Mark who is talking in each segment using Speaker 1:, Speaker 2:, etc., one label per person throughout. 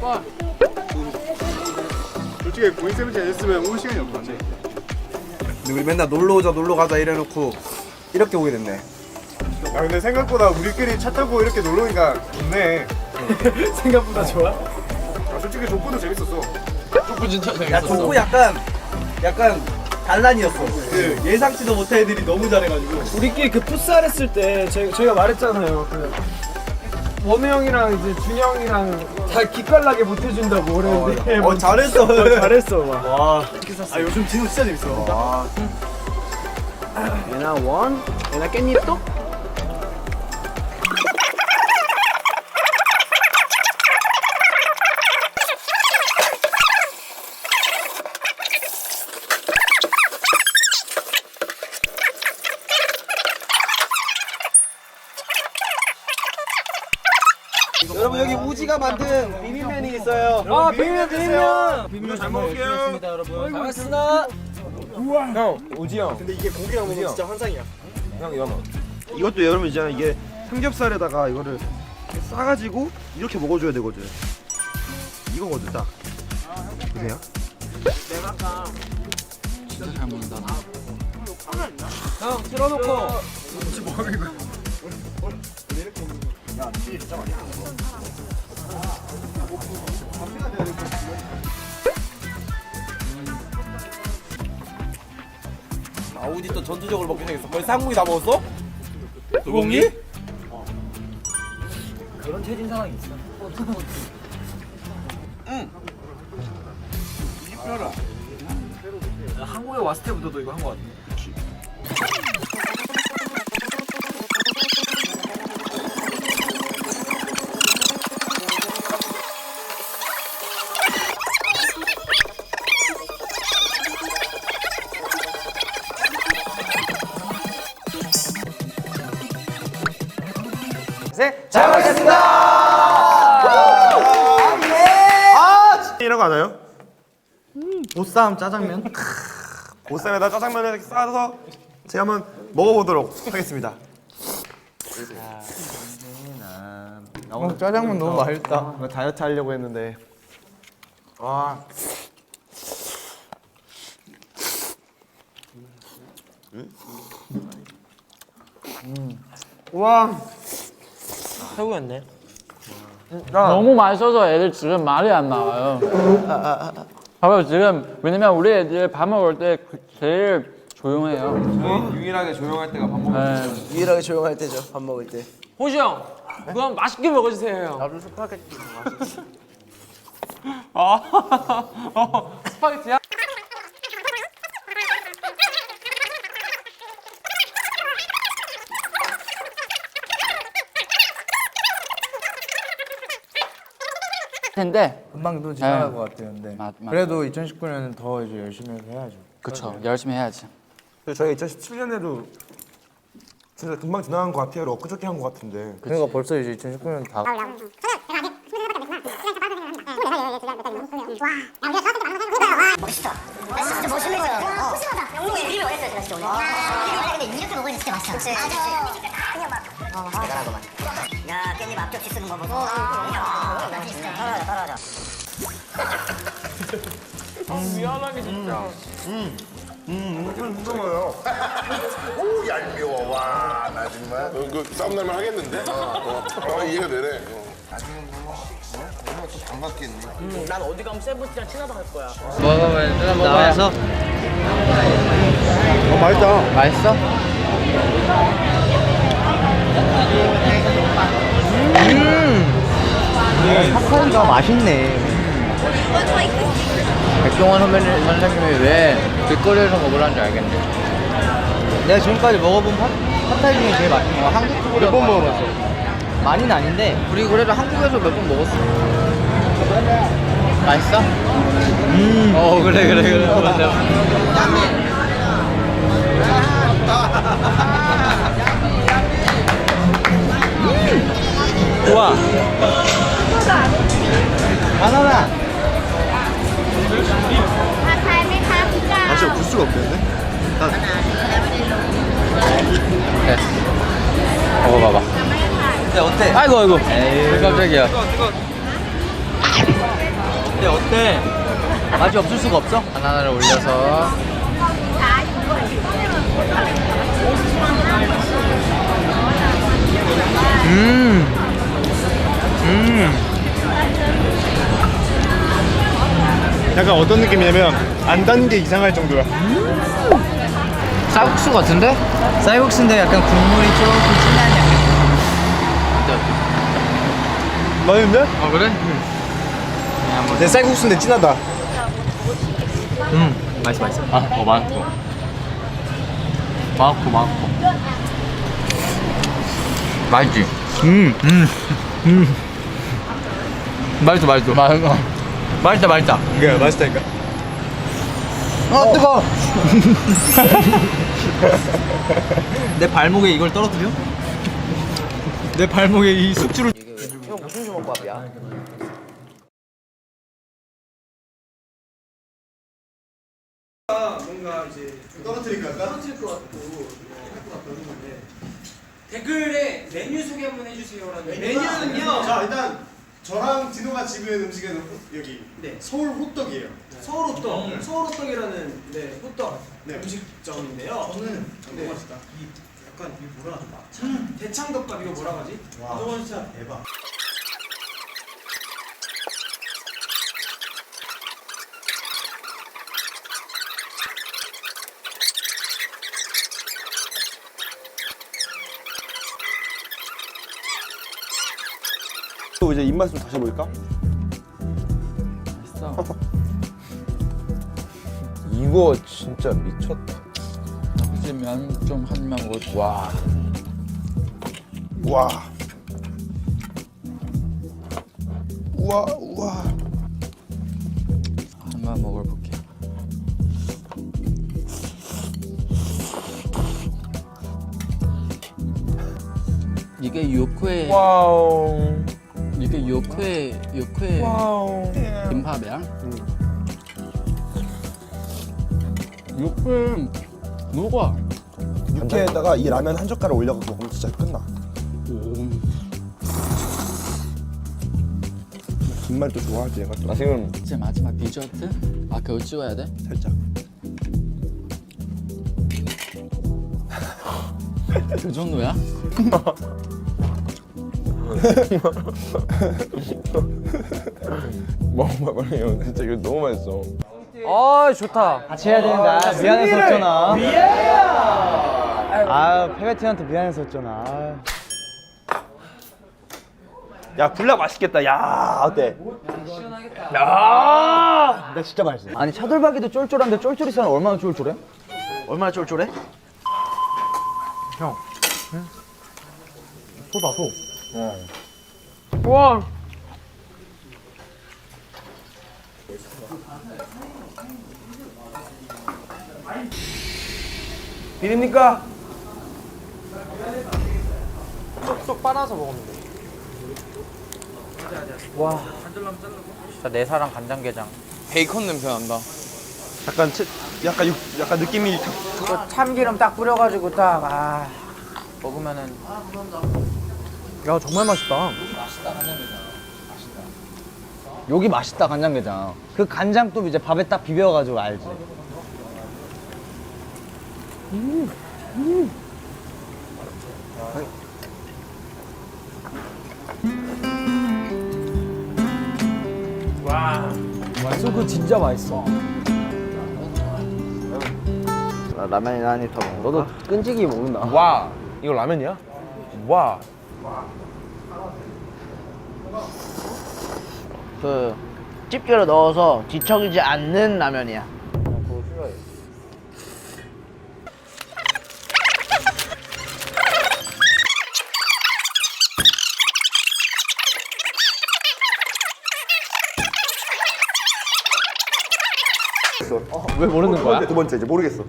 Speaker 1: 솔직히 고인 세븐틴 했으면 올 시간이 없었지.
Speaker 2: 근데 우리 맨날 놀러 오자 놀러 가자 이래놓고 이렇게 오게 됐네.
Speaker 1: 야 근데 생각보다 우리끼리 차 타고 이렇게 놀러 오니까 좋네.
Speaker 3: 생각보다 좋아?
Speaker 1: 아, 솔직히 족구도 재밌었어.
Speaker 4: 족구 진짜
Speaker 2: 야
Speaker 4: 재밌었어.
Speaker 2: 족구 약간 단란이었어. 그 예상치도 못한 애들이 너무 잘해가지고.
Speaker 3: 우리끼리 그 풋살 했을 때 저희가 말했잖아요. 그 원우 형이랑 이제 준이 형이랑 다 기깔나게 못 해준다고 그랬는데
Speaker 2: 잘했어.
Speaker 3: 잘했어 막.
Speaker 2: 와. 아 요즘 진호 진짜 재밌어. 와.
Speaker 3: 얘나 원, 얘나 깻잎 또?
Speaker 2: 여러분 여기 우지가 만든 비빔면이 있어요.
Speaker 3: 아 비빔면.
Speaker 1: 비빔면 잘 먹을게요.
Speaker 4: 여러분. 잘 먹었습니다.
Speaker 5: 형, 오지 형.
Speaker 2: 근데 이게 고기랑 먹으면 진짜 환상이야.
Speaker 5: 형, 연어. 이것도 여러분 있잖아요. 이게 삼겹살에다가 이거를 이렇게 싸가지고 이렇게 먹어줘야 되거든. 이거거든, 딱. 보세요.
Speaker 4: 진짜 잘 먹는다.
Speaker 3: 형 틀어놓고.
Speaker 2: 아 우지 또 전투적으로 먹기 시작했어. 벌써 한국이 다 먹었어? 소고기?
Speaker 3: 그런 체진 상황이 있어. 한국에 왔을 때부터도 이거 한 거 같아.
Speaker 2: 잘 먹겠습니다.
Speaker 5: 이런 거 아나요?
Speaker 2: 보쌈 짜장면.
Speaker 5: 보쌈에다 짜장면을 이렇게 싸서 제가 한번 먹어보도록 하겠습니다.
Speaker 2: 짜장면 너무 맛있다.
Speaker 5: 다이어트 하려고 했는데. 와. 와.
Speaker 3: 최고였네.
Speaker 4: 너무 맛있어서 애들 지금 말이 안 나와요. 봐봐요 지금 왜냐면 우리 애들 밥 먹을 때 제일 조용해요.
Speaker 5: 유일하게 조용할 때가 밥 먹을
Speaker 4: 네.
Speaker 2: 유일하게 조용할 때죠. 밥 먹을 때.
Speaker 3: 호시 형, 그건 맛있게 먹어주세요.
Speaker 2: 나도 스파게티.
Speaker 3: 스파게티야?
Speaker 4: 텐데
Speaker 6: 금방 또 지나갈
Speaker 4: 네.
Speaker 6: 것 같아요. 근데
Speaker 4: 맞.
Speaker 6: 그래도 2019년은 더 이제 열심히 해야죠.
Speaker 4: 그쵸 열심히 해야지.
Speaker 5: 저희가 2017년에도 진짜 금방 지나간 것 같아요. 엊그저께 한 것 같은데.
Speaker 6: 그러니까 벌써 이제 2019년 다
Speaker 7: 멋있다. 진짜 멋있는 거야. 푸짐하다. 영롱이 비빔 원했어요, 제가 진짜 오늘. 원래 근데 이렇게 먹으니 진짜 맛있어. 그치. 그냥 막. 대단하구만. 야, 깻잎 앞접시 쓰는 거 보고. 떨어져.
Speaker 3: 미안하게 진짜.
Speaker 5: 무서워요.
Speaker 8: 오 얄미워 와나 정말 그 싸움 날만 하겠는데? 이해가 되네. 또 반갑겠네.
Speaker 3: 난 어디 가면 세븐틴이랑 친하다 할 거야.
Speaker 4: 나와서
Speaker 1: 맛있다.
Speaker 4: 맛있어?
Speaker 6: 팝콘이가 맛있네.
Speaker 4: 백종원 선생님이 왜 길거리에서 먹으라는지 알겠네.
Speaker 6: 내가 지금까지 먹어본 팟타이 중에 제일 맛있는 거 한국 쪽으로
Speaker 1: 몇 번 먹어봤어?
Speaker 6: 많이는 아닌데
Speaker 4: 우리 그래도 한국에서 몇 번 먹었어. 맛있어? 그래.
Speaker 6: 좋아. 바나나.
Speaker 5: 맛이 없을 수가 없겠네.
Speaker 4: 됐어. 먹어봐봐.
Speaker 6: 근데 어때?
Speaker 4: 아이고. 깜짝이야.
Speaker 6: 어때? 맛이 없을 수가 없어? 바나나를 올려서.
Speaker 1: 약간 어떤 느낌이냐면 안 단 게 이상할 정도야.
Speaker 6: 쌀국수 같은데? 쌀국수인데 약간 국물이 조금 진한 양념.
Speaker 1: 맛있는데?
Speaker 6: 어 그래?
Speaker 1: 내 쌀국수인데 진하다.
Speaker 6: 맛있어. 맛있고. 맛있지? 맛있다.
Speaker 1: 이게 맛있다니까.
Speaker 6: 뜨거. 내 발목에 이걸 떨어뜨려? 내 발목에 이 숙주를. 형 무슨 주먹밥이야?
Speaker 3: 뭔가 이제
Speaker 1: 떨어뜨릴까?
Speaker 3: 떨어질 것 같고 할것 같다는 건데 댓글에 메뉴 소개 한번 해주세요라는. 메뉴는요.
Speaker 1: 자 일단 저랑 진호가 지부한 음식은 여기
Speaker 3: 네.
Speaker 1: 서울 호떡이에요.
Speaker 3: 서울 호떡. 서울 호떡이라는 호떡
Speaker 1: 네.
Speaker 3: 음식점인데요. 저는 너무 맛있다. 이 약간 이 뭐라 하지? 대창덮밥 이거 뭐라 하지?
Speaker 1: 와 진짜 대박.
Speaker 5: 또 이제 입맛 좀 다시 볼까?
Speaker 4: 맛있어.
Speaker 5: 이거 진짜 미쳤다.
Speaker 4: 이제 면 좀 한 입만 먹어. 와.
Speaker 5: 와. 우와.
Speaker 4: 한번 먹어볼게. 이게 육회.
Speaker 5: 와우.
Speaker 4: 이게 육회 김밥이야? 육회 녹아.
Speaker 5: 육회에다가 이 라면 한 젓가락 올려갖고 먹으면 진짜 끝나. 김말도 좋아하지 얘가 또. 지금
Speaker 4: 이제 마지막 디저트? 아 그거 찍어야 돼?
Speaker 5: 살짝.
Speaker 4: 그 정도야?
Speaker 5: 먹어봐 빨리. 진짜 이거 너무 맛있어.
Speaker 6: 아 좋다. 같이 해야 된다. 미안했었잖아. 아 페베티한테 미안했었잖아.
Speaker 5: 야 굴락 맛있겠다. 야 어때?
Speaker 6: 나 진짜 맛있어. 아니 차돌박이도 쫄쫄한데 쫄쫄이살은 얼마나 쫄쫄해? 얼마나 쫄쫄해?
Speaker 5: 소다 소.
Speaker 3: 와.
Speaker 5: 비립니까?
Speaker 6: 쏙쏙 빨아서 먹으면 돼. 와. 진짜 내 사랑 간장게장.
Speaker 2: 베이컨 냄새 난다.
Speaker 5: 약간 느낌이
Speaker 6: 또 참기름 딱 뿌려가지고 딱 먹으면은. 야 정말 맛있다. 여기 맛있다 간장게장. 그 간장 또 이제 밥에 딱 비벼가지고 알지. 맛있어. 진짜 맛있어. 라면이나 한 입 더 먹어. 너도 끈질기게 먹는다.
Speaker 5: 와. 이거 라면이야? 와.
Speaker 6: 그 집게로 넣어서 뒤척이지 않는 라면이야.
Speaker 5: 왜 모르는 거야? 두 번째 이제 모르겠어.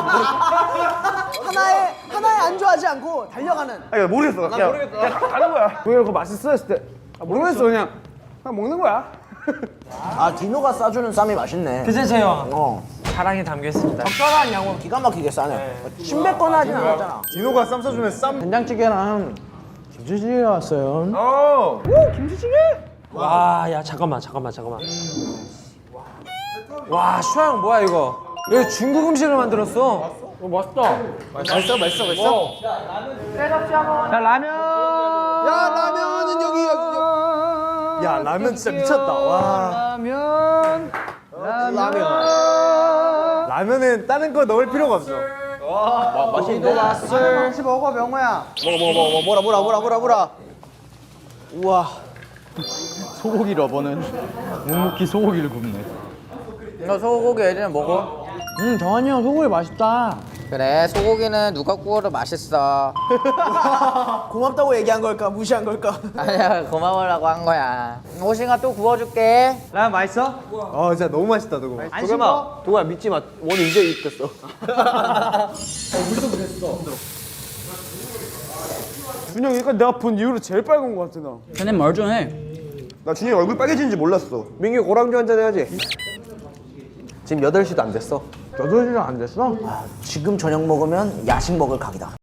Speaker 3: 하나에 안주하지 않고 달려가는.
Speaker 5: 아니 모르겠어. 그냥 가는 거야.
Speaker 3: 왜 그거 맛있어 했을 때 모르겠어 그냥 먹는 거야.
Speaker 6: 아 디노가 싸주는 쌈이 맛있네. 그치 재영. 사랑이 담겨 있습니다. 적절한 양은 기가 막히게 싸네. 침뱉거나 하진 않았잖아.
Speaker 1: 진호가 쌈 싸주면 쌈.
Speaker 6: 된장찌개랑 김치찌개 왔어요.
Speaker 5: 어.
Speaker 6: 김치찌개?
Speaker 9: 와, 야, 잠깐만. 와, 슈아 형 뭐야 이거? 이거 중국 음식을 만들었어.
Speaker 4: 맛있다.
Speaker 2: 맛있어.
Speaker 4: 야 라면.
Speaker 5: 야 라면은 여기. 야 라면 진짜 미쳤다. 와.
Speaker 1: 라면은 다른 거 넣을 필요가 없어.
Speaker 2: 맛있는데?
Speaker 6: 같이 먹어 명호야. 뭐라. 우와.
Speaker 4: 소고기 러버는 묵묵히 소고기를 굽네.
Speaker 6: 너 소고기 애들은 먹어?
Speaker 4: 정한이 형 소고기 맛있다.
Speaker 6: 그래 소고기는 누가 구워도 맛있어. 고맙다고 얘기한 걸까 무시한 걸까? 아니야 고마워라고 한 거야. 호싱아 또 구워줄게.
Speaker 3: 라면 맛있어?
Speaker 1: 진짜 너무 맛있다 저거.
Speaker 3: 도가 믿지 마. 원이 이제 입됐어. 준영 이거 내가 본 이후로 제일 빨간 거 같아 나.
Speaker 4: 근데 멀쩡해.
Speaker 5: 나 준이 얼굴 빨개지는지 몰랐어.
Speaker 3: 민규 고랑주 한잔 해야지. 지금 8시도 안 됐어.
Speaker 6: 8시간 안 됐어? 지금 저녁 먹으면 야식 먹을 각이다.